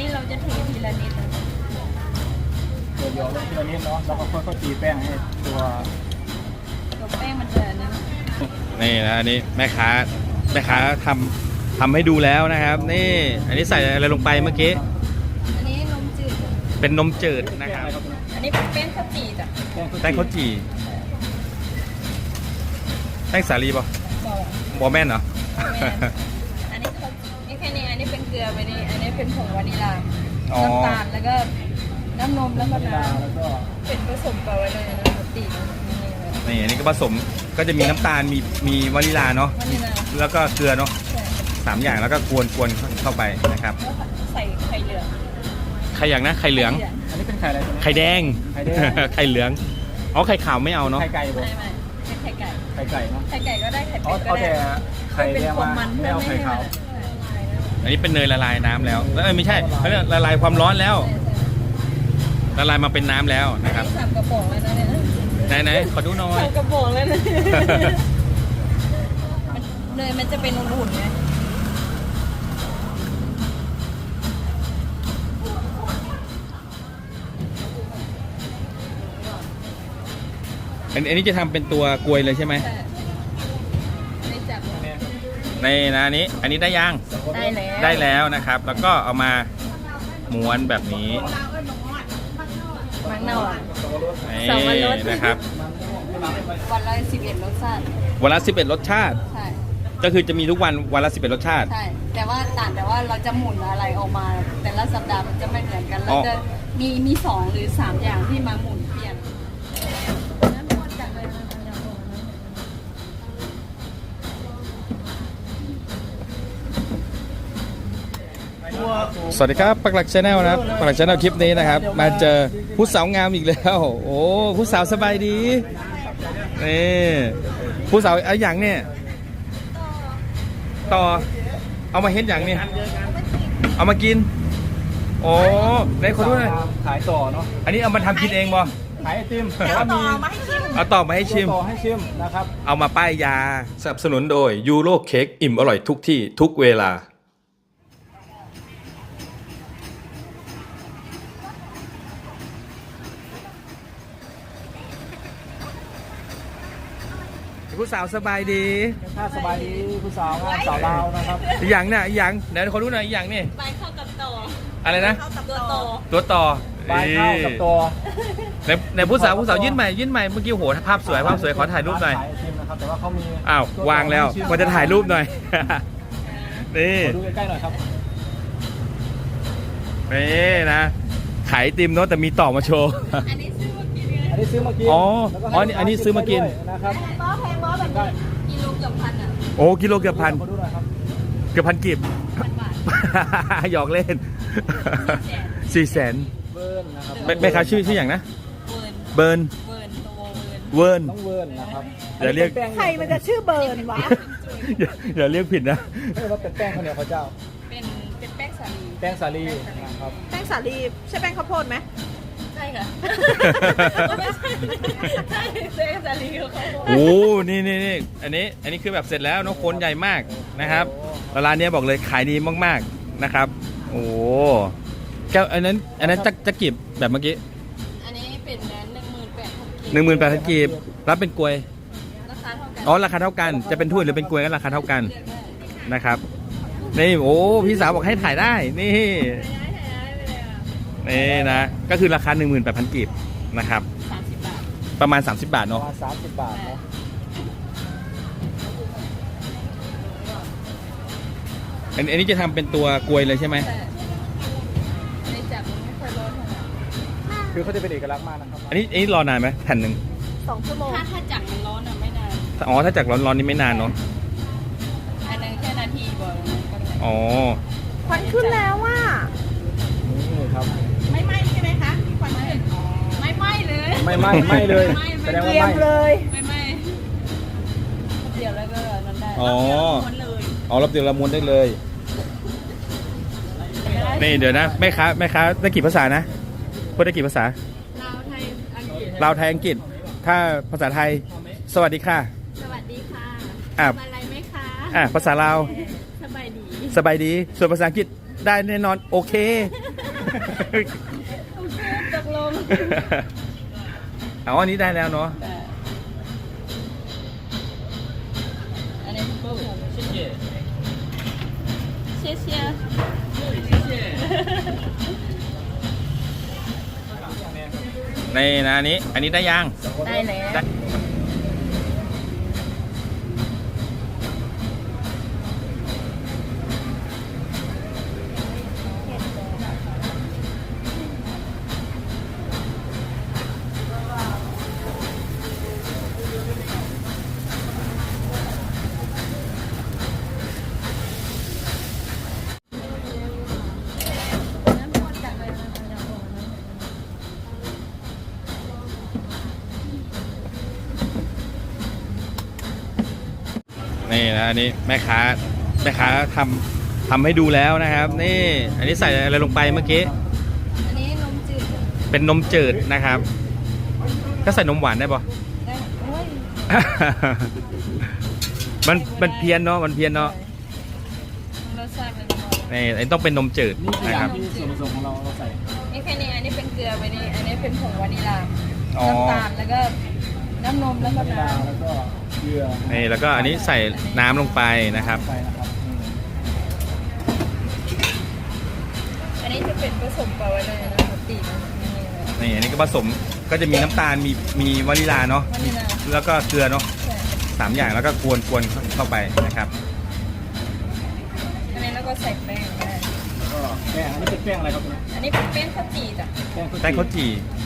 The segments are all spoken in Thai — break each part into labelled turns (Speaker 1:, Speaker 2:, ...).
Speaker 1: นี้เราจะเททีละนิดนะ
Speaker 2: เดี๋ยวลงทีละนิดเนาะแล้วก็ค่อยๆตีแป้งให้ตัว
Speaker 1: ตัวแป้งมันจะนะ
Speaker 3: นี่นะอันนี้แม่ค้าทำให้ดูแล้วนะครับนี่อันนี้ใส่อะไรลงไปเมื่อกี้
Speaker 1: อันนี้นมจืด
Speaker 3: เป็นนมจืดนะครับ
Speaker 1: อันนี้เป็นแป้งข้าวจี่จ้ะ
Speaker 3: แป้งข้าวจี่แป้งสาลีป่ะ
Speaker 1: บอก
Speaker 3: บอแม่นเหรอ
Speaker 1: อันนี้เขานี่แค่นี้อันนี้เป็นเกลือไปนี่อันนี้เป็นผงวานิลา
Speaker 3: อ๋อ
Speaker 1: น้ำตาลแล้วก็น้ำนมแล้วก็น้
Speaker 2: แล้วก็
Speaker 1: ำเป็นผสมกันไว้เลยนะปกตินี่
Speaker 3: นี่อันนี้ก็ผสมก็จะมีน้ำตาลมีวานิลาเนาะ
Speaker 1: วานิลา
Speaker 3: แล้วก็เกลือเนาะ
Speaker 1: ใช่
Speaker 3: 3 อย่างแล้วก็กวนเข้าไปนะครับ
Speaker 1: แล้วใส่ไข่เหลือง
Speaker 3: ไข่อย่างนะไข่เหลือง
Speaker 2: อันนี้เป็นไข่อะไรตัวนี้
Speaker 3: ไข่แดง
Speaker 2: ไข่แดง
Speaker 3: ไข่เหลืองอ๋อไข่ขาวไม่เอาเนาะ
Speaker 2: ไข่ไก่บ่
Speaker 1: ไม่เป็นไข่ไก่
Speaker 2: ไข่ไก่เนาะ
Speaker 1: ไข่ไก่ก็ได้ไข่
Speaker 2: เอา
Speaker 1: เป็ดก็
Speaker 2: เอา
Speaker 1: ได้
Speaker 2: แต่ไข่แดงมา
Speaker 1: มัน
Speaker 2: ไม่เอาไข่ขาว
Speaker 3: อันนี้เป็นเนยละลายน้ำแล้วไม่ใช่เขาเรียกละลายความร้อนแล้วละลายมาเป็นน้ำแล้วนะครับ
Speaker 1: สามกระป๋องเลยนะเนี่ย
Speaker 3: ไหนขอดูหน่อย
Speaker 1: สามกระป๋องเลยนะเนยมันจะเป็นอุ่นๆไง
Speaker 3: อันนี้จะทำเป็นตัวกลวยเลยใช่ไหม
Speaker 1: แต่ไม่จับ
Speaker 2: เนี่ย
Speaker 3: ในนะอันนี้ได้ยัง
Speaker 1: ได้แล้ว
Speaker 3: ได้แล้วนะครับ แล้วก็เอามาม้วนแบบนี้
Speaker 1: มังนาวอ่ะ
Speaker 3: นี่
Speaker 1: สองวันรส
Speaker 3: นะครับ
Speaker 1: วันละ11 รสชาติ
Speaker 3: วันละ11 รสชาติ
Speaker 1: ใช่
Speaker 3: ก็คือจะมีทุกวันละ11 รสชาติ
Speaker 1: ใช่แต่ว่าต่างแต่ว่าเราจะหมุนอะไรออกมา แต่ละสัปดาห์มันจะไม่เหมือนกันเราจะมี2 หรือ 3 อย่างที่มาหมุนเปลี่ยนน้ำมันจากเลยนะ
Speaker 3: สวัสดีครับปักหลักชาแนลนะครับปักหลักชาแนลคลิปนี้นะครับ มาเจอผู้สาวงามอีกแล้ว โอ้ผู้สาวสบายดีนี่ผู้สาวเอาอย่างเนี่ยต่อเอามาเฮ็ดอย่างเนี่ยเอามากินโอ้ไหนขอดูหน่อย
Speaker 2: ขายต่อเนาะ
Speaker 3: อันนี้เอามาทำกินเองบ่
Speaker 2: ขายไอติมแต่ว่ามี
Speaker 3: เอาต่อมาให้ชิม
Speaker 2: ต่อให้ชิมนะครับ
Speaker 3: เอามาป้ายยาสนับสนุนโดยยูโรเค้กอิ่มอร่อยทุกที่ทุกเวลาผู้สาวสบายดี
Speaker 2: ถ้าสบายดีผู้สาวงามสาวลาวนะครับ
Speaker 3: อีกอย่างเนี่ยอีกอย่างเดี๋ยวขอรู้หน่อยอีกอย่างนี่
Speaker 1: ใบเข้ากับต่อ
Speaker 3: อะไรนะ
Speaker 1: เข้ากับตัวโต
Speaker 3: ตัวต่อ
Speaker 2: ปลายข้าวกับตัว
Speaker 3: ในผู้สาวยื่นใหม่เมื่อกี้โหภาพสวยขอถ่ายรูปหน่อย
Speaker 2: ขายไอติมนะครับแต่ว่าเขามี
Speaker 3: อ้าววางแล้วมันจะถ่ายรูปหน่อย นี่
Speaker 2: ขอดูใกล้ๆหน่อยครับ
Speaker 3: นี่นะขายไอติมเนาะแต่มีต่อมาโชว์
Speaker 1: อันนี้ซื้อมากินเลย
Speaker 2: อันนี้ซื้อมากิน
Speaker 3: อ๋อ
Speaker 2: แล้วก็
Speaker 3: อ๋ออันนี้ซื้อมากิน
Speaker 2: ด้วยนะครับ
Speaker 1: บอสแพงบอสแบบนี้กิโลเกือบพันอ่ะ
Speaker 3: โอ้กิโลเกือบพัน
Speaker 2: ขอดูหน่อยครับ
Speaker 3: เกือบพันกีบ
Speaker 1: 1,000 บาท
Speaker 3: หยอกเล่น 400,000
Speaker 2: เวิร์นนะครับ
Speaker 3: แม่ค้าชื่ออย่างนะ
Speaker 1: เวิร์น
Speaker 3: เบิร์น
Speaker 1: เวิร์นตัวเวิร์น
Speaker 3: เวิร์น
Speaker 2: ต้องเวิร์นนะครับ
Speaker 3: อย่าเรียก
Speaker 2: แป้ง
Speaker 4: ใครมันจะชื่อเบิร์นวะ
Speaker 3: อย่าเรียกผิดนะ
Speaker 2: เรียกว่าเป็นแป้งข้าวเหนียวข้าวเจ้า
Speaker 1: เป็นแป้งสาลี
Speaker 2: แป้งสาลีนะครับ
Speaker 4: แป้งสาลีใช่แป้งข้าวโพดไหม
Speaker 1: ใช่ค่ะไม่ใช่ใช่แป้งสาลีของเขา
Speaker 3: โอ้นี่อันนี้คือแบบเสร็จแล้วเนอะคนใหญ่มากนะครับร้านนี้บอกเลยขายดีมากๆนะครับ โอ้แก้วอันนั้นจะกีบแบบเมื่อกี้
Speaker 1: อันนี้เป็น18,000
Speaker 3: 18,000กีบรับเป็นกลวย
Speaker 1: ราคาเท่ากัน
Speaker 3: อ๋อราคาเท่ากันจะเป็นถ้วยหรือเป็นกลวยก็ราคาเท่ากันนะครับนี่โอ้พี่สาวบอกให้ถ่ายได้นี่นี่นะก็คือราคา 18,000กีบนะครับ
Speaker 1: 30 บาท
Speaker 3: ประมาณ 30 บาท
Speaker 2: ประ
Speaker 3: เนาะ
Speaker 2: มาณ30 บาทเนาะ
Speaker 3: อันนี้จะทำเป็นตัวกลวยเลยใช่ไหม
Speaker 1: แต่ในจับมันไม่ค่อยร้อนเท่าไหร่
Speaker 2: คือเขาจะเป็นเอกลักษณ์มากนะครับ
Speaker 3: อันนี้รอนานไหมแผ่นหนึ่ง
Speaker 4: 2 ชั่วโมง
Speaker 1: ถ้าจับมันร้อนอ่ะไม่นาน
Speaker 3: อ๋อถ้าจากร้อนๆนี่ไม่นานเนาะ
Speaker 1: อันนึงแค่นาทีบ่อยก็ได้
Speaker 3: อ๋อ
Speaker 4: ควันขึ้นแล้วว่า
Speaker 2: นี่ครับ
Speaker 1: ไม่ไหม้ใช่ไหมคะควันขึ้นไม่ไหม้เลย
Speaker 2: ไม่เลย แสดง
Speaker 4: เต
Speaker 2: ว่า
Speaker 4: รียม
Speaker 2: ไม่
Speaker 4: เลย
Speaker 1: ไม่ไหม้เดี๋ยวแล้วก็นั่นได้
Speaker 3: อ๋อ
Speaker 1: ม้วนเลย
Speaker 3: อ๋อรับเดียวละม้วนได้เลย นี่เดี๋ยวนะแม่ค้าได้กี่ภาษานะพูดได้กี่ภาษา
Speaker 1: ลาวไทยอังกฤษ
Speaker 3: ลาวไทยอังกฤษ ถ้าภาษาไทยสวัสดีค่ะ
Speaker 1: สวัสดีค่ะ
Speaker 3: อ่ะ
Speaker 1: ทำอะไรไหมคะ
Speaker 3: ภาษาลาว
Speaker 1: สบายดี
Speaker 3: สบายดีส่วนภาษาอังกฤษได้แน่นอนโอเค
Speaker 1: โอเคตกลง
Speaker 3: เอาอันนี้ได้แล้วเนาะ
Speaker 1: แต่อันนี้คือผม谢谢谢谢
Speaker 3: ในนะอันนี้ได้ยัง
Speaker 1: ได้แล้ว
Speaker 3: ได้
Speaker 1: น้ำพอจากอะไรมาจากโอ่งนะ
Speaker 3: นี่นะอันนี้แม่ค้าทำให้ดูแล้วนะครับ นี่ อันนี้ใส่อะไรลงไปเมื่อกี้
Speaker 1: อันนี้นมจืด
Speaker 3: เป็นนมจืดนะครับ ก็ใส่นมหวานได้ปะ
Speaker 1: ได้โอ้ย
Speaker 3: มันเพี้ยนเนาะมันเพี้ยนเนาะ
Speaker 1: รสชาติมันพอ
Speaker 3: นี่อันนี้ต้องเป็นนมจืด
Speaker 2: นี่คือ
Speaker 3: นะ
Speaker 2: อ
Speaker 3: ค
Speaker 2: ย่า
Speaker 3: รั
Speaker 2: ง
Speaker 3: บ
Speaker 2: ที่ส่วนผสมของเราใส่
Speaker 1: นี่แค่นี้อันนี้เป็นเกลือไปนี่อันนี้เป็นผงวานิลา
Speaker 3: อ๋อ
Speaker 1: น้ำตาลแล้วก็น้ำนมแล้วก็
Speaker 2: วานิลา
Speaker 1: น้ำ
Speaker 2: แล้วก็เกลือ
Speaker 3: นี่แล้วก็อันนี้ใส่น้ำลงไปนะครับ
Speaker 2: ใส่นะครับ
Speaker 1: อันนี้จะเป็นผสมปลาไว้เลยนะปกติมันนี่เลย
Speaker 3: นี่อันนี้ก็ผสมก็จะมีน้ำตาลมีวานิลาเนาะ
Speaker 1: วานิลา
Speaker 3: แล้วก็เกลือเนาะ
Speaker 1: ใช่
Speaker 3: 3 อย่างแล้วก็กวนเข้าไปนะครับ
Speaker 1: อันนี้แล้วก็ใส่แป้งก็ได้
Speaker 2: ก็แป้งอันนี้เป็นแป้งอะไรครับเนี่ย
Speaker 1: อันนี้เป็นแป้งข้าวจี่จ้ะ
Speaker 3: แป้งข้าวจี่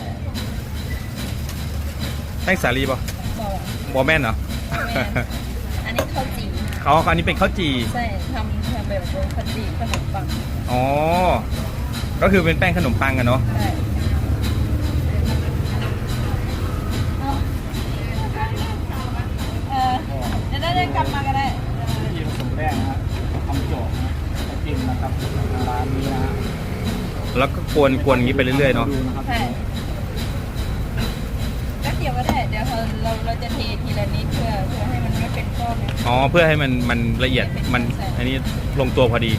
Speaker 3: แป้งสาลีป่ะ
Speaker 1: บอก
Speaker 3: บอแม่นเหรอ
Speaker 1: แม่อันนี้ข้าวจี่
Speaker 3: เขาอันนี้เป็นข้าวจี่
Speaker 1: ใช่ทำแบบเป็นข้าวจี่ขนมปัง
Speaker 3: อ๋อ ก็คือเป็นแป้งขนมปังกันเนาะ
Speaker 1: ใช่ได้กลับมาก็ได้
Speaker 2: ที่ผสมแป้งนะฮะทำโจกนะไปกินนะครับร้านนี้นะฮะ
Speaker 3: แล้วก็กวนอย่างนี้ไปเรื่อยๆเนาะ
Speaker 2: ดูนะครับ
Speaker 1: ใช่แป๊บเดียวก็ได้ เดี๋ยวเราจะเททีละนิดเพื่อให้มันไม่เป็นก้อนนะ
Speaker 3: อ๋อ เพื่อให้มันละเอียด มัน
Speaker 1: ใช่
Speaker 3: อันนี้ลงตัวพอดี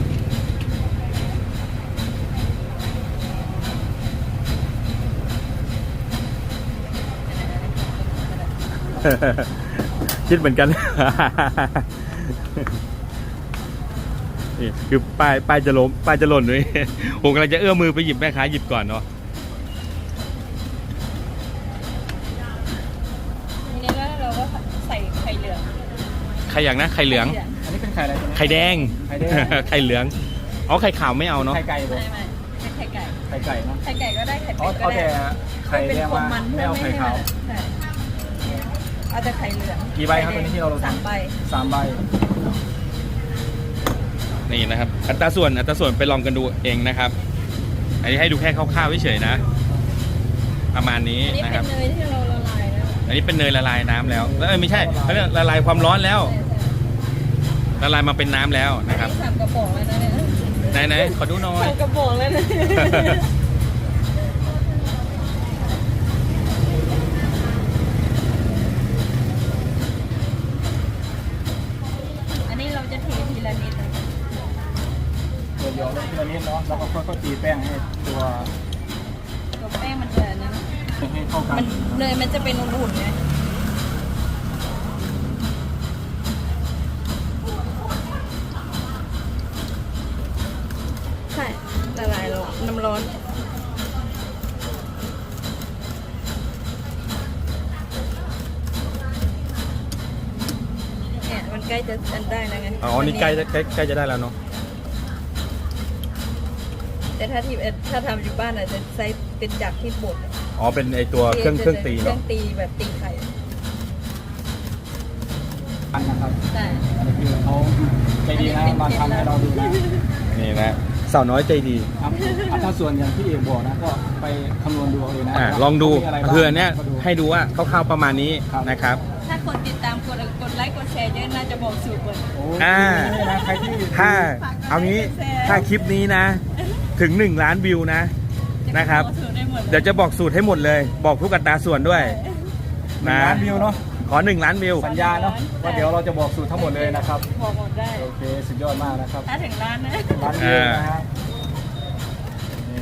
Speaker 3: คิดเหมือนกัน นี่คือป้ายจะล้มป้ายจะหล่นด้วย ผมกำลังจะเอื้อมมือไปหยิบแม่ค้าหยิบก่อนเนาะ
Speaker 1: ทีนี้แล้วเราก็ใส่ไข่เหลือง
Speaker 3: ไข่อย่างนะไข่เหลือง
Speaker 2: อันนี้เป็นไข่อะไรตัวนี้
Speaker 3: ไข่แดง
Speaker 2: ไข่แดง
Speaker 3: ไข่เหลือง อ๋อ ไข่ขาวไม่เอาเนาะ
Speaker 2: ไข่ไก่บ่
Speaker 1: ไม่เป็นไข่ไก่
Speaker 2: ไข่ไก่เนาะ
Speaker 1: ไข่ไก่ก็ได้ไข่
Speaker 2: เอา
Speaker 1: เป็ดก็
Speaker 2: เอา
Speaker 1: ได้
Speaker 2: แต่ไข่แดงมา
Speaker 1: มัน
Speaker 2: ไม่เอาไข่ขาว
Speaker 1: ใช่เอาแต่ไข่เหลือง
Speaker 2: กี่ใบครับตัวนี้ที่เราลง
Speaker 1: 3 ใบ
Speaker 2: 3 ใบ
Speaker 3: นี่นะครับ อัตราส่วนไปลองกันดูเองนะครับ อันนี้ให้ดูแค่คร่าวๆเฉยๆนะ ประมาณนี้
Speaker 1: อันนี้
Speaker 3: นะค
Speaker 1: เป็
Speaker 3: รับ
Speaker 1: นเนยที่เราละลายแล้ว
Speaker 3: อันนี้เป็นเนยละลายน้ำแล้วไม่ใช่เขาเรียกละลายความร้อนแล้ว ละลายมาเป็นน้ำแล้ว
Speaker 1: อัน
Speaker 3: นะครับ
Speaker 1: นี้3 กระป๋องแล้วนะเนี่ย
Speaker 3: ไหนขอดูหน่อย
Speaker 1: 3 กระป๋องแล้วนะอันนี้เราจะเททีละนิดนะ
Speaker 2: ตัวเดียวลงทีละนิดเนาะแล้วก็ค่อยๆตีแป้งให้ตัว
Speaker 1: ตัวแป้งมันจะนะ
Speaker 2: ให้เข้ากัน
Speaker 1: มันเนยมันจะเป็นอุ่นๆไงใช่ละลายแล้วน้ำร้อนเนี่ยมันใกล้จะอันได้แล้วไง
Speaker 3: อ๋อ นี่ใกล้จะได้แล้วเนาะ
Speaker 1: แต่ถ้าทำอยู่บ้านอาจจะใช้เป็นจักรที่บด
Speaker 3: อ๋อ เป็นไอตัวเครื่องตี
Speaker 1: เครื่
Speaker 3: เนาะ
Speaker 1: องตีแบบตีไข่
Speaker 2: อันนะครับ
Speaker 1: ใช่
Speaker 2: อันนี้คือเขาใจดีนะมาทำให้เราดูนะ
Speaker 3: นี่นะสาวน้อยใจดี
Speaker 2: ครับถ้าส่วนอย่างที่เอกบอกนะก็ไปคำนวณดูเอาเองนะ
Speaker 3: ลองดู
Speaker 2: ว่ามีะไรบ้าง
Speaker 3: คืออันเนี้ย
Speaker 2: ก็ดู
Speaker 3: ให้ดูว่าคร่าวๆประมาณนี้
Speaker 2: ครับ
Speaker 3: นะครับ
Speaker 1: ถ้าคนติดตามกดไลค์กดแชร์เยอะน่าจะบอกสูตรหมด
Speaker 2: โอ้
Speaker 3: อ่า
Speaker 2: นี่นะใครที่
Speaker 3: ถ้าเอางี้ถ้าคลิปนี้นะ ถึง 1 ล้านวิวนะ นะครับ
Speaker 1: จะบอกสูตรได้หมดล
Speaker 3: เดี๋ยวจะบอกสูตรให้หมดเลย บอกทุกอัตราส่วนด้วย
Speaker 2: หนึ่งล้านวิวเนาะ
Speaker 3: ขอ 1 ล้านวิว
Speaker 2: สัญญาเนาะว่าเดี๋ยวเราจะบอกสูตรทั้งหมดเลยนะครับ
Speaker 1: บอกหมดได้
Speaker 2: โอเคสุดยอดมากนะครับ
Speaker 1: ถ้าถึงร้านนะ
Speaker 2: ล้านวิวนะฮะนี่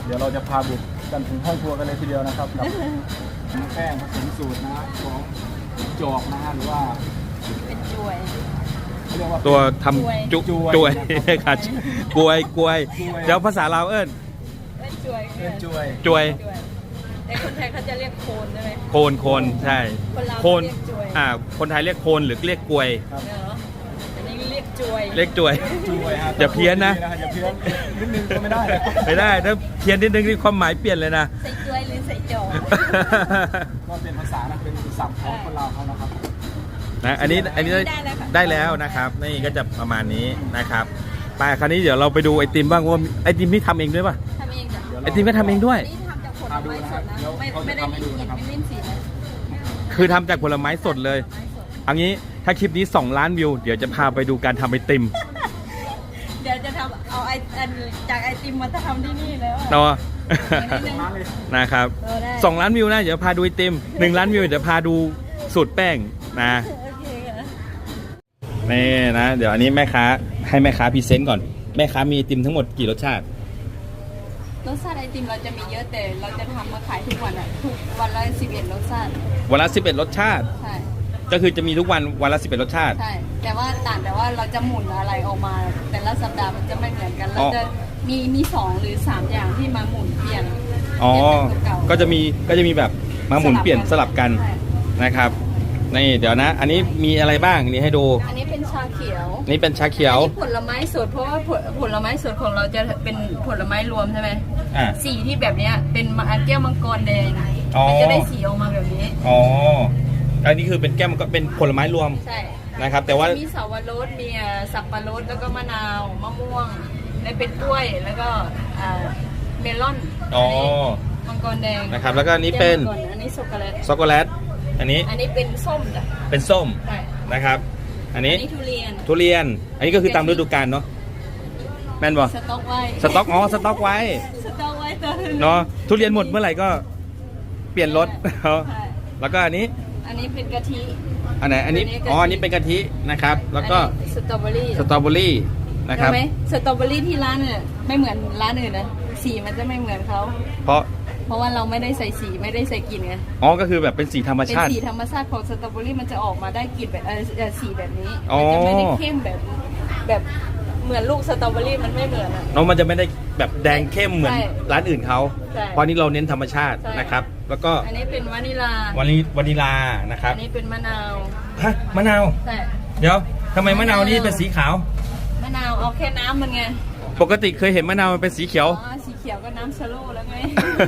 Speaker 2: เดี๋ยวเราจะพาบุกกันถึงห้องครัวกันเลยทีเดียวนะครับกับแป้งผสมสูตรนะฮะของจอกนะฮะหรือว่า
Speaker 1: เป็นจวย
Speaker 2: เขาเรียกว่า
Speaker 3: ตัวทำจุจวยค่ะกวยเดี๋ยวภาษาลาวเอิ้น
Speaker 1: เป็นจวย
Speaker 2: เป็นจวย
Speaker 3: จวย
Speaker 1: จวยแต่คนไทยเขาจะเรียกโคนใช่ไหม
Speaker 3: โคนใช่
Speaker 1: คนลาว
Speaker 3: โคน
Speaker 1: เรียกจวย
Speaker 3: คนไทยเรียกโคนหรือเรียกกวย
Speaker 2: ครับ
Speaker 1: เนาะอันนี้เรียกจวย
Speaker 3: เรียกจวย
Speaker 2: จวยฮะ
Speaker 3: อย่าเพี้ยนนะ
Speaker 2: อย่าเพี้ยนนิดนึงก็ไม่ได้นะ
Speaker 3: ไม่ได้ถ้าเพี้ยนนิดนึงนี่ความหมายเปลี่ยนเลยนะ
Speaker 1: ใส่จวยหรือใส่จอก
Speaker 2: ก็เป็นภาษานะเป็นศัพท์ของคนลาวเขานะครับ
Speaker 3: นะอันนี้ได้แล้วนะครับนี่ก็จะประมาณนี้นะครับไปคราวนี้เดี๋ยวเราไปดูไอติมบ้างว่าไอติมนี่ทำเองด้วยป่ะ
Speaker 1: ทำเองจ้ะ
Speaker 3: ไอติมก็ทำเองด้วย
Speaker 1: นี่ทำจากผลไม้สดนะไม่ได้มีกลิ่นไม่เล่นสีนะ
Speaker 3: คือทำจากผลไม้สดเลยเอางี้ถ้าคลิปนี้2 ล้านวิวเดี๋ยวจะพาไปดูการทำไอติม
Speaker 1: เดี๋ยวจะทำเอาอันจากไอติมมาทำที่นี่แล้ว
Speaker 3: เนาะ
Speaker 2: ร้านเลย
Speaker 3: นะครับ
Speaker 1: ได้
Speaker 3: 2 ล้านวิวนะเดี๋ยวพาดูไอติม1 ล้านวิวเดี๋ยวพาดูสูตรแป้งนะ
Speaker 1: โอเคค่ะ
Speaker 3: นี่นะเดี๋ยวอันนี้แม่ค้าให้แม่ค้าพรีเซนต์ก่อนแม่ค้ามีไอติมทั้งหมดกี่รสชาติ
Speaker 1: รสชาติไอติมเราจะมีเยอะแต่เราจะทำมาขายทุกวันอ่ะทุกวันละ11รสชาติ
Speaker 3: วันละ11รสชาติ
Speaker 1: ใช่
Speaker 3: ก็คือจะมีทุกวันละ11รสชาติ
Speaker 1: ใช่แต่ว่าเราจะหมุนอะไรออกมา แต่ละสัปดาห์มันจะไม่เหมือนกันเราจะมี2 หรือ 3 อย่างที่มาหมุนเปลี่ยน
Speaker 3: อ๋อ
Speaker 1: เปลี่ยนจากตัวเก่า
Speaker 3: ก็จะมีแบบมาหมุนเปลี่ยนสลับกัน
Speaker 1: ใช่
Speaker 3: นะครับนี่เดี๋ยวนะ อันนี้มีอะไรบ้างนี่ให้ดู
Speaker 1: อันนี้เป็นชาเขียว
Speaker 3: นี่เป็นชาเขียว
Speaker 1: อันนี้ผลไม้สดเพราะว่าผลไม้สดของเราจะเป็นผลไม้รวมใช่ไหม
Speaker 3: อ่า
Speaker 1: สีที่แบบเนี้ยเป็นแก้วมังกรแดง
Speaker 3: อ๋อ
Speaker 1: มันจะได้สีออกมาแบบนี้
Speaker 3: อ๋ออันนี้คือเป็นแก้มก็เป็นผลไม้รวม
Speaker 1: ใช่
Speaker 3: นะครับ แต่ว่า
Speaker 1: มีสับปะรดมีสับปะรดแล้วก็มะนาวมะม่วงและเป็นกล้วยแล้วก็เมลอน
Speaker 3: อ๋อ
Speaker 1: มังกรแดง
Speaker 3: นะครับแล้วก็อันนี้เป็น
Speaker 1: แก้วมังกรอันนี้ช็อกโกแลต
Speaker 3: ช็อกโกแลตอันนี้
Speaker 1: อันนี้เป็นส้มจ้ะ
Speaker 3: เป็นส้ม
Speaker 1: ใช่
Speaker 3: นะครับ อันนี้
Speaker 1: อันนี้ทุเรียน
Speaker 3: ทุเรียน อันนี้ก็คือตามฤดูกาลเนาะแม่นบ่
Speaker 1: สต๊อกไว้
Speaker 3: สต็อกอ๋อสต็อกไว้
Speaker 1: สต๊อกไว้ตัวหนึง
Speaker 3: เนาะทุเรียนหมดเมื่อไหร่ก็เปลี่ยนรส
Speaker 1: ใช่
Speaker 3: แล้วก็อันนี้
Speaker 1: อันนี้เป็นกะทิ
Speaker 3: อันไหนอันนี้
Speaker 1: อันนี้กะทิ
Speaker 3: อ๋ออันนี้เป็นกะทินะครับ แล้วก็
Speaker 1: อันนี้สตรอเบอรี่
Speaker 3: สตรอเบอรี่นะครับ
Speaker 1: เห็นไหมสตรอเบอรี่ที่ร้านเนี่ยไม่เหมือนร้านอื่นนะสีมันจะไม่เหมือนเขา
Speaker 3: เพราะ
Speaker 1: ว่าเราไม่ได้ใส่สีไม่ได้ใส่กลิ่นไง
Speaker 3: อ๋อก็คือแบบเป็นสีธรรม
Speaker 1: เป็น
Speaker 3: ชาติ
Speaker 1: สีธรรมชาติของสตรอเบอรี่มันจะออกมาได้กลิ่นแบบสีแบบนี้
Speaker 3: อ๋อ
Speaker 1: มันจะไม่ได้เข้มแบบเหมือนลูกสตรอเบอรี่มันไม่เหมือนอ่ะ
Speaker 3: เนาะมันจะไม่ได้แบบแดงเข้มเหมือน
Speaker 1: ใช่
Speaker 3: ร้านอื่นเขา
Speaker 1: ใช่
Speaker 3: เพราะนี่เราเน้นธรรมชาติ
Speaker 1: ใช่
Speaker 3: นะครับ แล้วก็
Speaker 1: อันนี้เป็นวานิลาว
Speaker 3: านิลานะครับ
Speaker 1: อันนี้เป็นมะนาว
Speaker 3: ฮะมะนาว
Speaker 1: ใช่
Speaker 3: เดี๋ยวทำไมมะนาวนี่เป็นสีขาว
Speaker 1: มะนาวเอาแค่น้ำมันไง
Speaker 3: ปกติเคยเห็นมะนาวมันเป็นสีเขียว
Speaker 1: อ๋อสีเขียวก็น้ำชะโลแล้วไง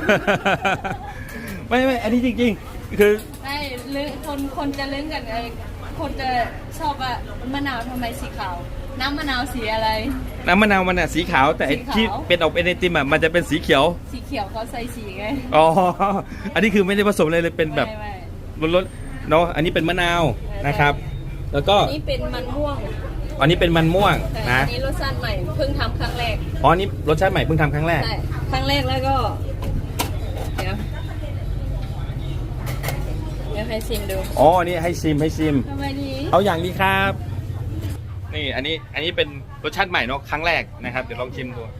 Speaker 3: ไม่อันนี้จริงๆ คือ
Speaker 1: ไม่ลึกคนจะลึกกันไอ้คนจะชอบว่ามะนาวทำไมสีขาว น้ำมะนาวสีอะไร
Speaker 3: น้ำมะนาวมันอ่ะสีขาวแต่ไอ้
Speaker 1: สีขาว
Speaker 3: ที่เป็นออกเป็นไอติมอ่ะมันจะเป็นสีเขียว
Speaker 1: สีเขียวเขาใส่สีไง
Speaker 3: อ๋อ อันนี้คือไม่ได้ผสมเลยเป็นแบบ
Speaker 1: ไม่
Speaker 3: รสๆเนาะ อันนี้เป็นมะนาวนะครับ แล้วก็
Speaker 1: อันนี้เป็นมันม่วง
Speaker 3: อันนี้เป็นมันม่วง
Speaker 1: แต่
Speaker 3: นะ
Speaker 1: อันนี้รสชาติใหม่เพิ่งทำครั้งแรก
Speaker 3: อ๋ออันนี้รสชาติใหม่เพิ่งทำครั้งแรก
Speaker 1: ใช่ครั้งแรกแล้วก็เดี๋ยวให้ชิมดู
Speaker 3: อ๋อ อันนี้ให้ชิม
Speaker 1: ทำไมดี
Speaker 3: เอาอย่างนี้ครับ นี่อันนี้เป็นรสชาติใหม่เนาะครั้งแรกนะครับ เดี๋ยวลองชิมดู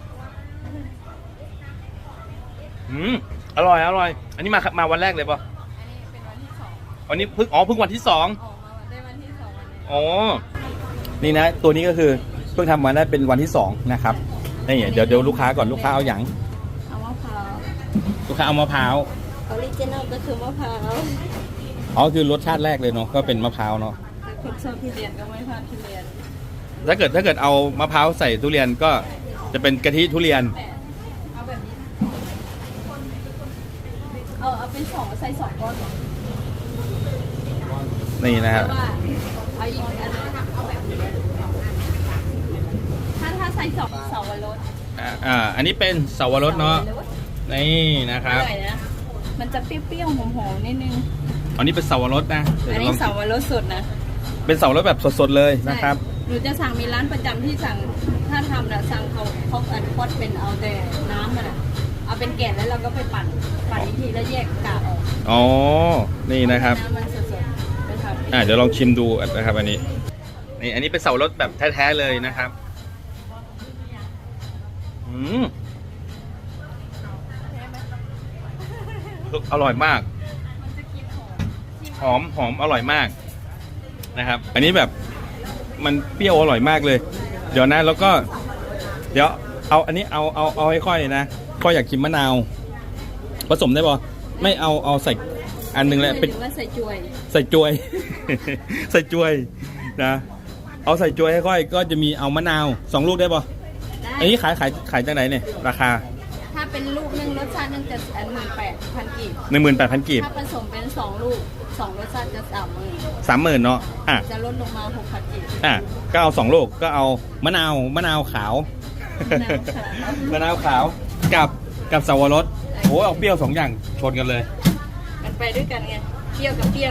Speaker 3: อร่อย อันนี้มาวันแรกเลยป่ะ
Speaker 1: อันนี้เป็นวันที่ 2
Speaker 3: วันนี้เพิ่งวันที่ 2
Speaker 1: ออกมาได้วันที่ 2วันนี้
Speaker 3: อ๋อ นี่นะ ตัวนี้ก็คือเพิ่งทำมาได้เป็นวันที่ 2 นะครับ นี่เดี๋ยวลูกค้าก่อนลูกค้าเอาอย่าง
Speaker 1: เอามะพร้าว
Speaker 3: ลูกค้าเอามะพร้าว
Speaker 1: ออริจินัลก็คือมะพร้าว
Speaker 3: อ๋อคือรสชาติแรกเลยเนาะก็เป็นมะพร้าวเนาะ
Speaker 1: แต่คนชอบทุเรียนก็ไม่พลาดทุเรียน
Speaker 3: ถ้าเกิดเอามะพร้าวใส่ทุเรียนก็จะเป็นกะทิทุเรียน
Speaker 1: เอาแบบนี้เอาเป็น2ใส่2ก้อนเหรอ
Speaker 3: นี่นะ
Speaker 1: เพ
Speaker 3: ครับ
Speaker 1: ราะว่าเอาอีกอันนึงเอาแบบนี้ถ้าใส่2เสาวรส
Speaker 3: อันนี้เป็นเสาวรสเนาะนี่นะค
Speaker 1: อ
Speaker 3: รับ
Speaker 1: ร่อยนะมันจะเปรี้ยวๆหอมๆนิดนึง
Speaker 3: อันนี้เป็นเสาวรสนะเดี๋ยว
Speaker 1: อัน
Speaker 3: จะล
Speaker 1: นี้
Speaker 3: อง
Speaker 1: เสาวรสสดนะ
Speaker 3: เป็นเสาวรสแบบสดๆเลยนะครับ
Speaker 1: ใช่หนูจะสั่งมีร้านประจำที่สั่งถ้าทำนะสั่งเขาอันพอดเป็นเอาแต่น้ำมันอะเอาเป็นแกะแล้วเราก็ไปปั่นอีกทีแล้วแยกกากออก
Speaker 3: อ๋อ นี่นะครับ
Speaker 1: น้ำมันสดๆไปทำ
Speaker 3: เดี๋ยวลองชิมดูนะครับ อันนี้อันนี้เป็นเสาวรสแบบแท้ๆเลยนะครับอร่อยมาก
Speaker 1: มันจะกินหอม
Speaker 3: หอมอร่อยมากนะครับ อันนี้แบบมันเปรี้ยวอร่อยมากเลย เดี๋ยวนะแล้วก็ เดี๋ยวเอาอันนี้เอาให้ค่อยเลยนะค่อยอยากกินมะนาวผสมได้ปะไม่เอาใส่อันหนึงแหละ
Speaker 1: เป็
Speaker 3: เป็น น
Speaker 1: ว่าใส่จวย
Speaker 3: ใส่จวย ใส่จวยนะเอาใส่จวยให้ค่อยก็จะมีเอามะนาว2 ลูกได้ปะ
Speaker 1: ได้
Speaker 3: อันนี้ขายจากไหนเนี่ยราคา
Speaker 1: ถ้าเป็นลูกนึงรสชาตินึงจะ18,000 กีบ
Speaker 3: 18,000 กีบ
Speaker 1: ถ้าผสมเป็น2 ลูก2รสชาติจะ30,000
Speaker 3: 30,000เนาะอ่ะ
Speaker 1: จะลดลงมา 6,000 กีบ
Speaker 3: อ่ะก็เอา2 ลูกก็เอามะนาวขาว มะนาวขาวกับสับปะรดโอ้ยเอาเปรี้ยว2 อย่างชนกันเลย
Speaker 1: มันไปด้วยกันไงเปรี้ยวกับเปรี้ยว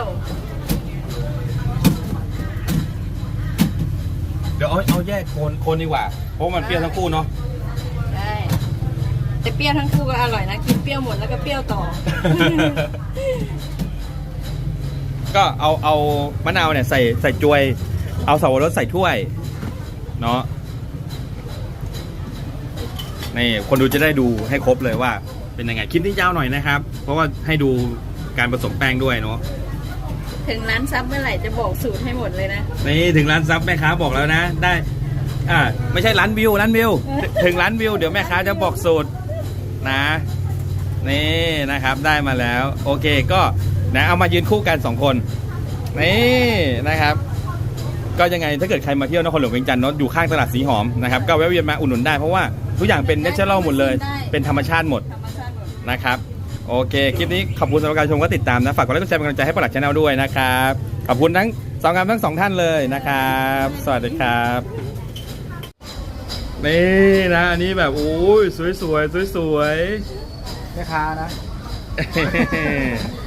Speaker 3: เดี๋ยวเอาแยกคนดีกว่าเพราะมันเปรี้ยวทั้งคู่เนาะ
Speaker 1: ได้แต่เปรี้ยวทั้งคู่ก็อร่อยนะกินเปรี้ยวหมดแล้วก็เปรี้ยวต่อ
Speaker 3: ก็เอามะนาวเนี่ยใส่จวยเอาสับปะรดใส่ถ้วยเนาะนี่คนดูจะได้ดูให้ครบเลยว่าเป็นยังไงคลิปนี้ยาวหน่อยนะครับ เพราะว่าให้ดูการผสมแป้งด้วยเนาะ
Speaker 1: ถึงร้านซับเมื่อไหร่จะบอกสูตรให้หมดเลยนะ
Speaker 3: นี่ถึงร้านซับแม่ค้าบอกแล้วนะได้ไม่ใช่ร้านวิวถึงร้านวิวเดี๋ยวแม่ค้าจะบอกสูตรนะนี่นะครับได้มาแล้วโอเคก็นะเอามายืนคู่กัน2 คนนี่นะครับก็ยังไงถ้าเกิดใครมาเที่ยวนครหลวงเวียงจันทร์เนาะอยู่ข้างตลาดสีหอมนะครับก็แวะเวียนมาอุดหนุนได้เพราะว่าทุกอย่างเป็นเนเชอรัลหมดเลยเป็นธรรมชาติหมด
Speaker 1: ธรรมชาติหมด
Speaker 3: นะครับโอเคคลิปนี้ขอบคุณสำหรับการชมก็ติดตามนะฝากกดไลค์กดแชร์เป็นกำลังใจให้ปลัดชาแนลด้วยนะครับขอบคุณทั้ง2 งานทั้ง 2 ท่านเลยนะครับสวัสดีครับนี่นะอันนี้แบบโอ้ยสวยๆ
Speaker 2: แม่ค้านะ
Speaker 3: ๆ